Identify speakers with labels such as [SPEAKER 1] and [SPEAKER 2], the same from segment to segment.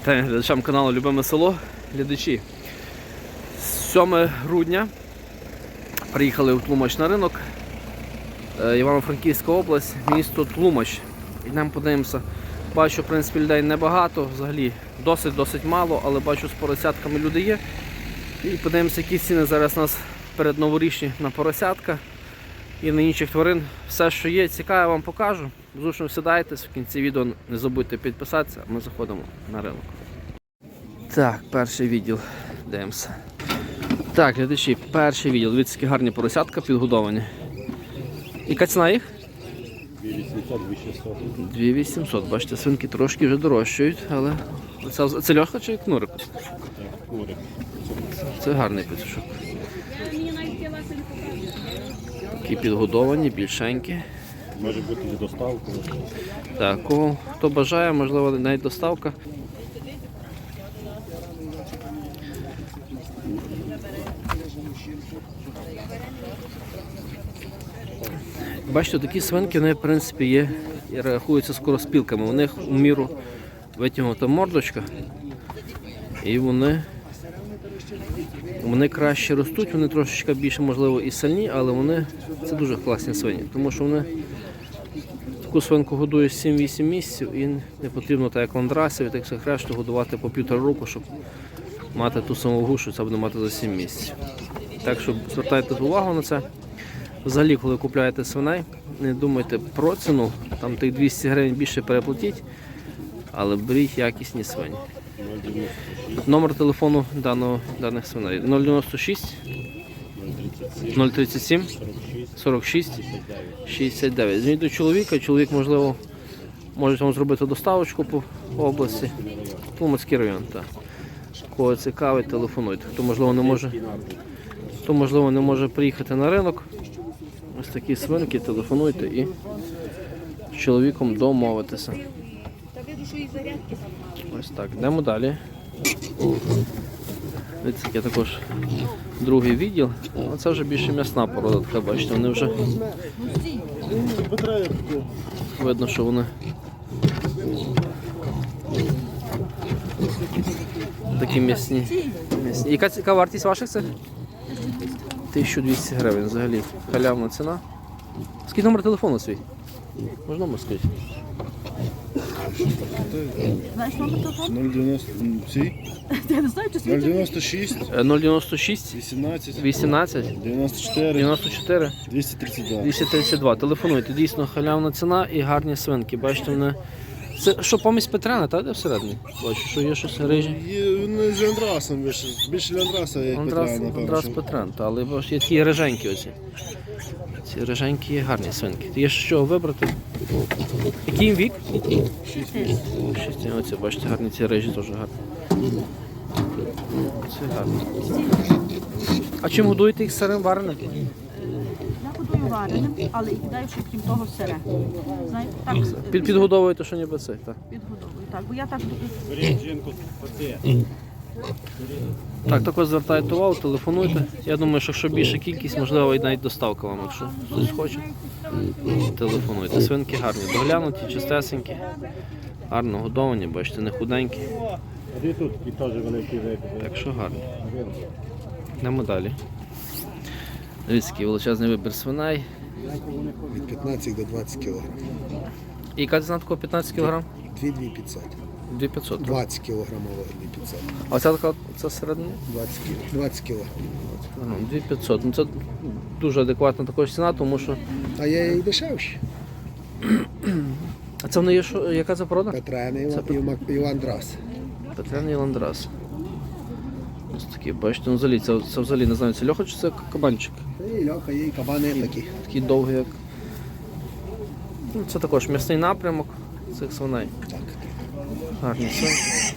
[SPEAKER 1] Вітаю глядачам каналу Любиме село. Глядачі, 7 грудня приїхали в Тлумач на ринок. Івано-Франківська область, місто Тлумач. Йдемо подивимося. Бачу, в принципі, людей небагато, взагалі досить мало, але бачу, з поросятками люди є. І подивимося, які ціни зараз у нас передноворічні на поросятка і на інших тварин. Все, що є, цікаве, вам покажу. Зручно сідайтесь, в кінці відео не забудьте підписатися, а ми заходимо на ринок. Так, перший відділ. Дивимося. Так, глядачі, перший відділ. Дивіться, які гарні поросятка підгодовані. Яка ціна їх?
[SPEAKER 2] 2800.
[SPEAKER 1] 2800. Бачите, свинки трошки вже дорожчають, але це льоха чи кнурик?
[SPEAKER 2] Курик.
[SPEAKER 1] Це гарний петушок. Такі підгодовані, більшенькі.
[SPEAKER 2] Може бути і доставка.
[SPEAKER 1] Так, хто бажає, можливо, навіть доставка. Бачите, такі свинки, вони, в принципі, є і рахуються скороспілками. У них у міру витягнута мордочка, і вони краще ростуть, вони трошечки більше, можливо, і сильні, але це дуже класні свині, тому що вони таку свинку годують 7-8 місяців і не потрібно, так як ландрасів, так як решту, годувати по 1,5 року, щоб мати ту саму вагу, що це буде мати за 7 місяців. Так що звертайте увагу на це. Взагалі, коли купуєте свиней, не думайте про ціну, там тих 200 гривень більше переплатіть, але беріть якісні свині. Номер телефону даних свиней 096 037 46 69. Дзвоніть до чоловіка, чоловік, можливо, може вам зробити доставочку по області. Тлумацький район. Так. Кого цікавить, телефонуйте. Хто, можливо, не може приїхати на ринок, ось такі свинки, телефонуйте і з чоловіком домовитися. Ось так, йдемо далі. Дивіться, є також другий відділ. Це вже більше м'ясна порода, така, бачите, вони вже видно, що вони такі м'ясні. Яка вартість ваших цих? 1200 гривень взагалі. Халявна ціна. Скільки номер телефону свій? Можна номер сказати?
[SPEAKER 2] 096
[SPEAKER 1] 096 18 94 232. Телефонуйте. Дійсно халявна ціна і гарні свинки. Бачите, вони... Це що, помість Петряна, так, де всередині? Бачу, що є щось рижі.
[SPEAKER 2] Вони з Ляндрасом вийшли. Більше Ляндраса, як Петряна, напевно.
[SPEAKER 1] Ландрас Петрян, але бачите, є такі риженькі оці. Ці риженькі є гарні свинки. Є що вибрати. Який їм вік?
[SPEAKER 2] 6 місяців.
[SPEAKER 1] 6. Оці, бачите, гарні ці рижі теж гарні. Це гарно. А чим годуєте їх сирим вареним?
[SPEAKER 3] Я годую вареним, але і кидаю ще крім того сире. Знаєте, так
[SPEAKER 1] Підгодовуєте, що ніби це, так?
[SPEAKER 3] підгодовую. Так, бо я так
[SPEAKER 1] Так, також звертайте увагу, телефонуйте. Я думаю, що якщо більша кількість, можливо, і навіть доставка вам, якщо хтось хоче. Телефонуйте. Свинки гарні, доглянуті, чистесенькі, гарно годовані, бачите, не худенькі.
[SPEAKER 2] І тут і теж великий вибір.
[SPEAKER 1] Так що гарні. Йдемо далі. Дивіться, який величезний вибір свиней.
[SPEAKER 4] Від 15 до 20 кг.
[SPEAKER 1] І яка ціна такого 15 кг?
[SPEAKER 4] 2500.
[SPEAKER 1] 2500.
[SPEAKER 4] 20 кг 2500.
[SPEAKER 1] А ця така, це середня?
[SPEAKER 4] 20 кг.
[SPEAKER 1] 2500. Ну, це дуже адекватна також ціна, тому що...
[SPEAKER 4] А є і дешевші.
[SPEAKER 1] А це вони є, що, яка це порода?
[SPEAKER 4] Петряна і Ландрас.
[SPEAKER 1] Петряна і Ландрас. Ось такі, бачите, ну взагалі, це взагалі, не знаю, це льоха чи це кабанчик?
[SPEAKER 4] І льоха, є і кабани такі.
[SPEAKER 1] Такий довгий, як... Ну, це також м'ясний напрямок цих свиней.
[SPEAKER 4] Так.
[SPEAKER 1] Гарні свинки.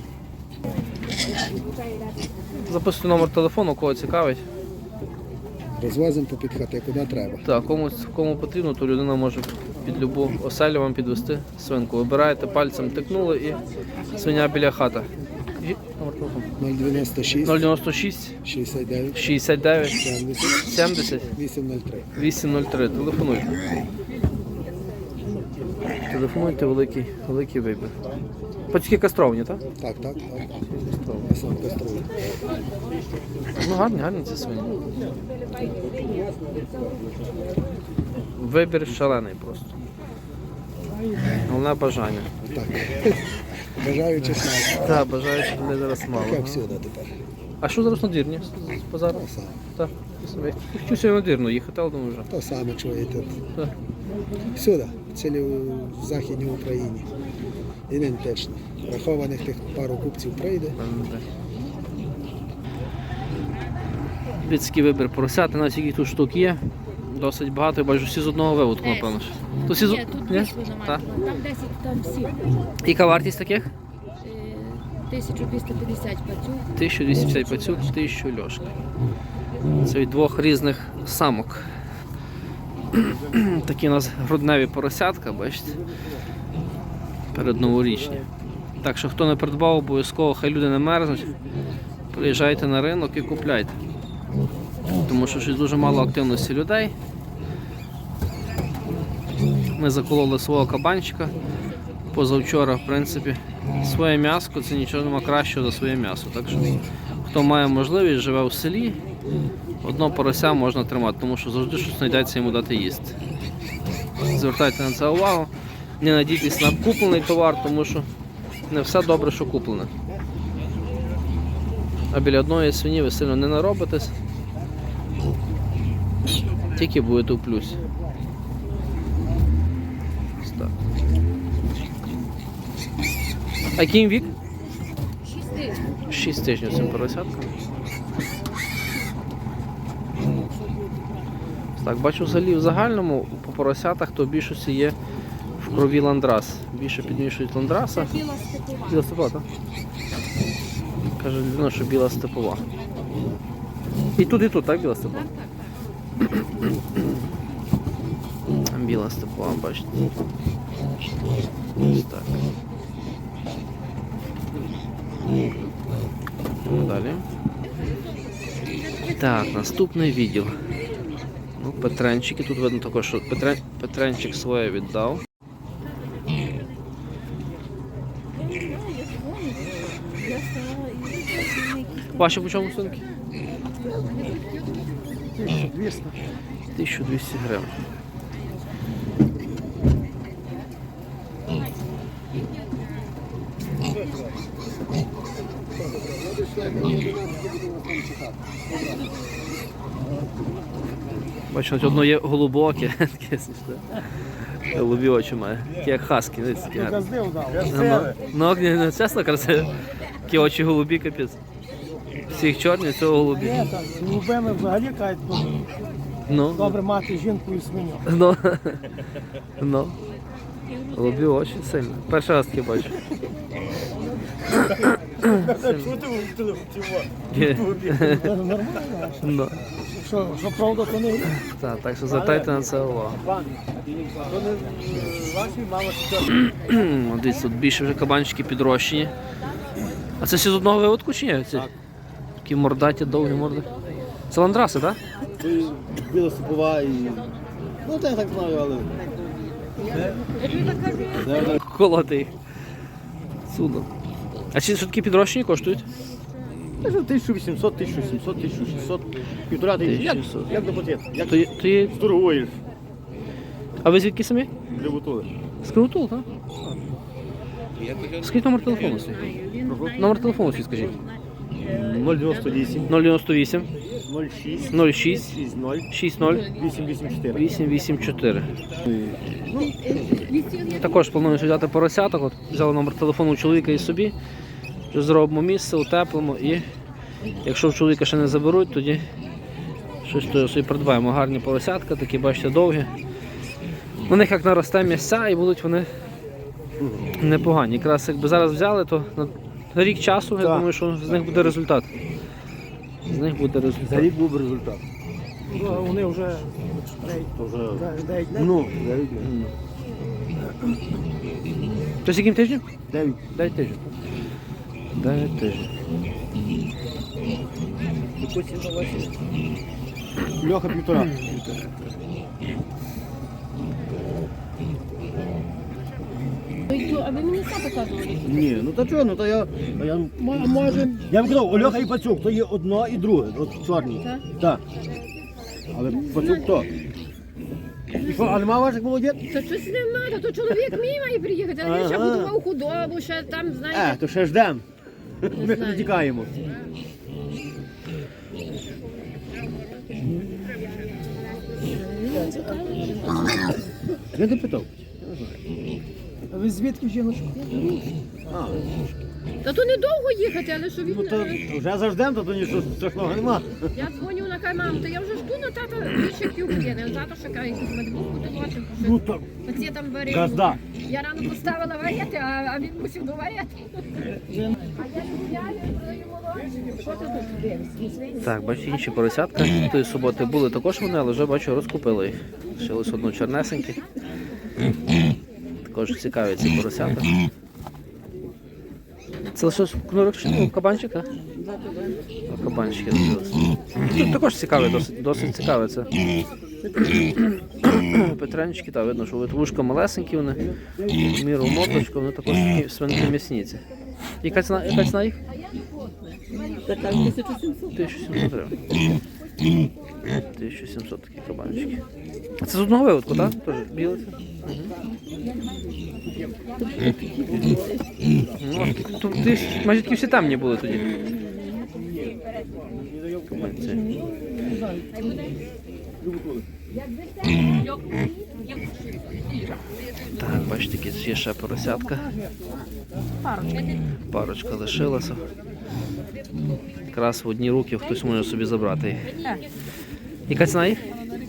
[SPEAKER 1] Записуйте номер телефону, кого цікавить.
[SPEAKER 4] Розвозимо по підхати, куди треба.
[SPEAKER 1] Так, кому потрібно, то людина може під любу оселю вам підвести свинку. Вибираєте, пальцем тикнули і свиня біля хати. І номер телефону.
[SPEAKER 4] 096
[SPEAKER 1] 096
[SPEAKER 4] 69
[SPEAKER 1] 69
[SPEAKER 4] 70
[SPEAKER 1] 70
[SPEAKER 4] 803.
[SPEAKER 1] 803. Телефонуйте. Телефонуйте, великий вибір. Пацюки кастровані, так?
[SPEAKER 4] Так. Я сам каструю.
[SPEAKER 1] Ну гарні ці свині. Вибір шалений просто. Головне бажання.
[SPEAKER 4] Так. Бажаю чесно.
[SPEAKER 1] Так, бажаючих людей зараз мало.
[SPEAKER 4] Як всюди тепер.
[SPEAKER 1] А що зараз надвірні з базару?
[SPEAKER 4] То саме.
[SPEAKER 1] Так. Я хочу сьогодні надвірну їхати, але думаю вже.
[SPEAKER 4] То саме чуєте.
[SPEAKER 1] Так.
[SPEAKER 4] Всюди, цілі в Західній Україні. Ідентично. Рахованих тих пару купців прийде.
[SPEAKER 1] Людський вибір поросяти, навіть яких тут штук є. Досить багато, я бачу, всі з одного виводку, напевно. То всі з...
[SPEAKER 5] Ні, тут
[SPEAKER 1] Ні?
[SPEAKER 5] дві свиноматки.
[SPEAKER 1] Так.
[SPEAKER 5] Там 10, там всі.
[SPEAKER 1] Яка вартість таких?
[SPEAKER 5] 1250 пацюк.
[SPEAKER 1] 1250 пацюк, 1000 льошка. Це від двох різних самок. Такі у нас грудневі поросятка, бачите? Передноворічні. Так що хто не придбав, обов'язково, хай люди не мерзнуть. Приїжджайте на ринок і купляйте. Тому що щось дуже мало активності людей. Ми закололи свого кабанчика позавчора, в принципі. Своє м'ясо, це нічого нема кращого за своє м'ясо. Так що хто має можливість, живе в селі, одного порося можна тримати, тому що завжди щось знайдеться йому дати їсти. Звертайте на це увагу. Не надійтесь на куплений товар, тому що не все добре, що куплене. А біля одної свині ви сильно не наробитесь, тільки будете в плюсі. Ось так. А який їм вік?
[SPEAKER 5] 6 тисяч.
[SPEAKER 1] 6 тижнів цим поросяткам. Так, бачу взагалі в загальному по поросятах то в більшості є в крові ландрас. Більше підмішують ландраса.
[SPEAKER 5] Біла степова.
[SPEAKER 1] Біла степова, так? Каже людина, що біла степова. І тут, так, біла степова? Біла степова, бачите. Ось так. Далі. Так, наступний відділ. Ну, Петренчики. Тут видно також, що Петренчик своє віддав. Ваші по чому сумки?
[SPEAKER 4] 1200.
[SPEAKER 1] 1200 гривень. Бачу, одно є голубоке, таке смішне. Голубі очі має, такі як хаски, дивіться, такі гарні. Ну, чесно, красиві. Такі очі голубі, капець. Всіх чорні, цього голубі.
[SPEAKER 6] Ні, так, голубими взагалі кажуть,
[SPEAKER 1] Ну,
[SPEAKER 6] добре мати жінку і свиню.
[SPEAKER 1] ну, ну. Голубі очі сильно. Перший раз таке бачу. Є.
[SPEAKER 6] Це нормально.
[SPEAKER 1] Ну.
[SPEAKER 6] Що правда, то не
[SPEAKER 1] Так що звертайте на це увагу. Дивіться, тут більше вже кабанчики підрощені. А це всі з одного виводку чи ні? Ці? Такі мордаті, довгі морди. Це ландраси, так?
[SPEAKER 2] Це біла степова і... Ну, так, так знаю, але...
[SPEAKER 1] Колоти їх. Судно. А ці що такі підрощені коштують?
[SPEAKER 2] 1800, 1700, 1600, 1500. Як
[SPEAKER 1] 1600.
[SPEAKER 2] як до пакет? Як
[SPEAKER 1] То є...
[SPEAKER 2] торгуєш?
[SPEAKER 1] А ви звідки самі?
[SPEAKER 2] Прибутули.
[SPEAKER 1] З Кривотул, так? Скажіть номер телефону свій. Номер телефону свій скажіть.
[SPEAKER 2] 098,
[SPEAKER 1] 098
[SPEAKER 2] 06,
[SPEAKER 1] 06
[SPEAKER 2] 60,
[SPEAKER 1] 60
[SPEAKER 2] 884.
[SPEAKER 1] 884. Також планую взяти поросяток. От взяли номер телефону у чоловіка і собі. Вже зробимо місце, утеплимо і якщо в чоловіка ще не заберуть, тоді щось то собі придбаємо. Гарні поросятка, такі, бачите, довгі. На них як наросте місця і будуть вони непогані. Якраз якби зараз взяли, то на рік часу, я думаю, що з них буде результат. З них буде результат.
[SPEAKER 2] За рік був результат.
[SPEAKER 6] вони вже
[SPEAKER 2] То вже...
[SPEAKER 6] 9
[SPEAKER 2] Ну, 9
[SPEAKER 1] Це яким тижнем?
[SPEAKER 2] 9.
[SPEAKER 1] 9 тижнів. 9 тижнів.
[SPEAKER 2] Льоха 1,5.
[SPEAKER 5] А ви мені все показували?
[SPEAKER 7] Ні, ну то чого, ну то я
[SPEAKER 6] Може,
[SPEAKER 7] вам казав, Ольоха і Пацюк, то є одно і друге, от чорні.
[SPEAKER 5] Так?
[SPEAKER 7] Так. Але Пацюк то. І що, а нема ваших молодець?
[SPEAKER 5] Та щось нема, то чоловік мій має приїхати, а він ще
[SPEAKER 7] Ага.
[SPEAKER 5] будував худобу, ще там, знаєте.
[SPEAKER 7] То ще ждем. Ми
[SPEAKER 5] знаю.
[SPEAKER 7] тікаємо. Я не питав.
[SPEAKER 6] а ви звідки жіночка?
[SPEAKER 7] А,
[SPEAKER 5] Та то недовго їхати, але що він...
[SPEAKER 7] ну то вже заждем, то нічого страшного нема.
[SPEAKER 5] Я дзвоню на кай, мам, то я вже жду на тата більше півгодини. А тато ще каже, якусь медбуку доводив.
[SPEAKER 7] Ну то
[SPEAKER 5] Оці там варили.
[SPEAKER 7] газда.
[SPEAKER 5] Я рано поставила варити, а він мусив доварити. А я продаю молоко. Що ти тут дивишся?
[SPEAKER 1] Так, бачу, інші поросятка. Тої суботи були також вони, але вже бачу, розкупили їх. Ще ось одну чорнесеньку. Також цікаві ці поросята. Це лише кнурок чи кабанчик, так? Кабанчики лишилися. Тут також цікаві, досить цікаві це. Петренчики, так, видно, що вушка малесенькі вони, в міру моточку, вони також такі свинки м'ясніці. Яка ціна їх? 1700 гривень. 1700 такі кабанчики. А це з одного виводку, так? Теж біле це? Ну, то майже такі всі темні були тоді. Кабанці. Так, бачите, є ще поросятка. Парочка лишилася. Якраз в одні руки хтось може собі забрати їх. Яка ціна їх?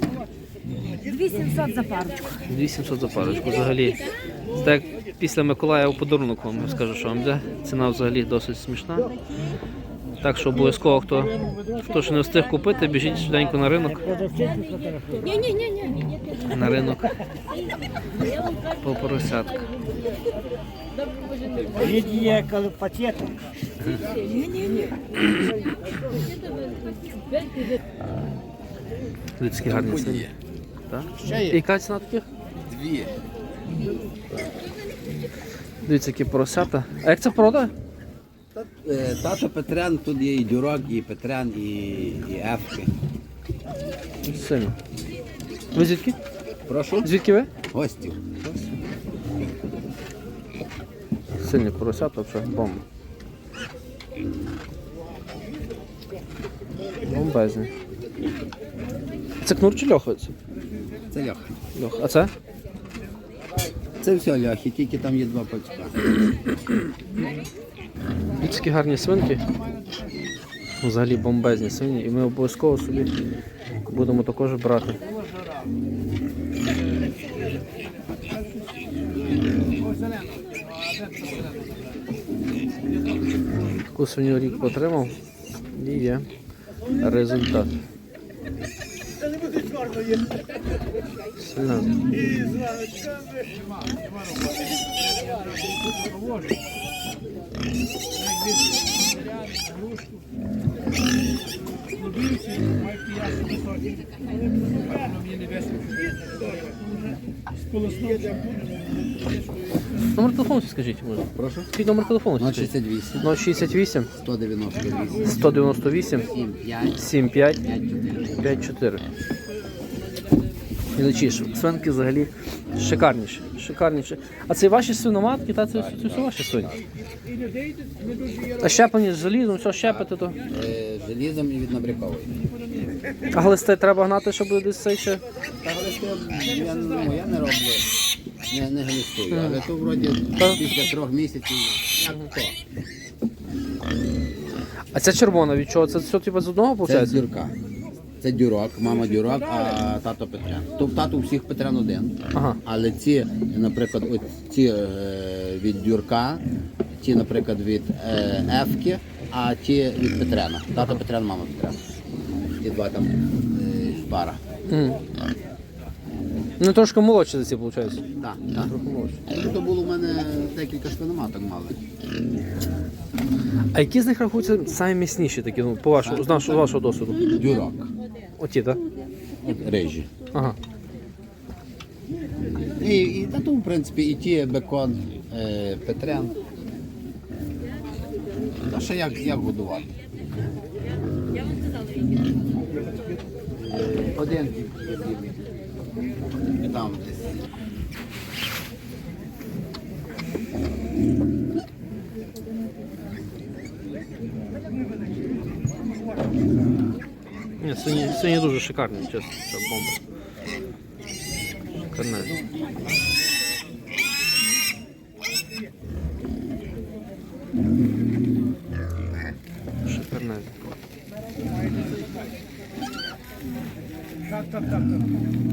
[SPEAKER 3] 2700 за парочку.
[SPEAKER 1] 2700 за парочку. Взагалі, це так як після Миколая у подарунок вам скажу, що вам йде. Ціна взагалі досить смішна. Так що обов'язково, хто ще не встиг купити, біжіть швиденько на ринок.
[SPEAKER 5] Ні.
[SPEAKER 1] На ринок по поросятку.
[SPEAKER 6] Є пакети.
[SPEAKER 1] Людські гарні свині. Так? Яка ціна таких?
[SPEAKER 8] 2.
[SPEAKER 1] Дивіться, які поросята. А як це порода?
[SPEAKER 8] Тато Петрян, тут є і Дюрок, і Петрян, і Ефки.
[SPEAKER 1] Сильно. Ви звідки?
[SPEAKER 8] Прошу?
[SPEAKER 1] Звідки ви?
[SPEAKER 8] Гостів.
[SPEAKER 1] Сильні поросята, взагалі бомба. Бомбезні. Це кнур чи льоха?
[SPEAKER 8] Це Льоха.
[SPEAKER 1] Льоха. А це?
[SPEAKER 8] Це все Льохи, тільки там є 2 пацька.
[SPEAKER 1] Такі гарні свинки. Взагалі бомбезні свині. І ми обов'язково собі будемо також брати. Таку свиню рік потримав і є результат. Сильно. Номер телефону скажіть, може?
[SPEAKER 8] Прошу?
[SPEAKER 1] Який номер телефону скажіть?
[SPEAKER 8] 068,
[SPEAKER 1] 068
[SPEAKER 8] 198,
[SPEAKER 1] 198
[SPEAKER 8] 75,
[SPEAKER 1] 75
[SPEAKER 8] 54.
[SPEAKER 1] 54. Глядачі, свинки взагалі шикарніші. Шикарніші. А це ваші свиноматки, та це все ваші свині? А щеплені з желізом, все щепити то.
[SPEAKER 8] Желізом і від набрякової.
[SPEAKER 1] А глисти треба гнати, щоб десь цей ще.
[SPEAKER 8] Та глисти я не роблю, не глистую, але то вроді
[SPEAKER 1] Так.
[SPEAKER 8] після 3 місяців, як то.
[SPEAKER 1] А ця червона від чого? Це все типу з одного
[SPEAKER 8] Це
[SPEAKER 1] виходить?
[SPEAKER 8] Дюрка. Це Дюрок, мама Дюрок, а тато Петрян. Тобто тато у всіх Петрян один.
[SPEAKER 1] Ага.
[SPEAKER 8] Але ці, наприклад, ці від Дюрка, ті, наприклад, від Ефки, а ті від Петряна. Тато Петрян, мама Петрян. Ті два там пара.
[SPEAKER 1] Ну трошки молодші за ці, виходить.
[SPEAKER 8] Так, так.
[SPEAKER 1] Трохи молодші.
[SPEAKER 8] Тут було у мене декілька свиноматок мали.
[SPEAKER 1] А які з них рахуються самі міцніші такі, ну, по вашому, з вашого досвіду?
[SPEAKER 8] Дюрок,
[SPEAKER 1] Оті, так?
[SPEAKER 8] рижі.
[SPEAKER 1] Ага.
[SPEAKER 8] І та то, в принципі, і ті бекон, Петрен. А ще як годувати? Один. Там десь.
[SPEAKER 1] Ні, сині дуже шикарні, чесно, це бомба. Шикарне. Шикарне.
[SPEAKER 6] Так.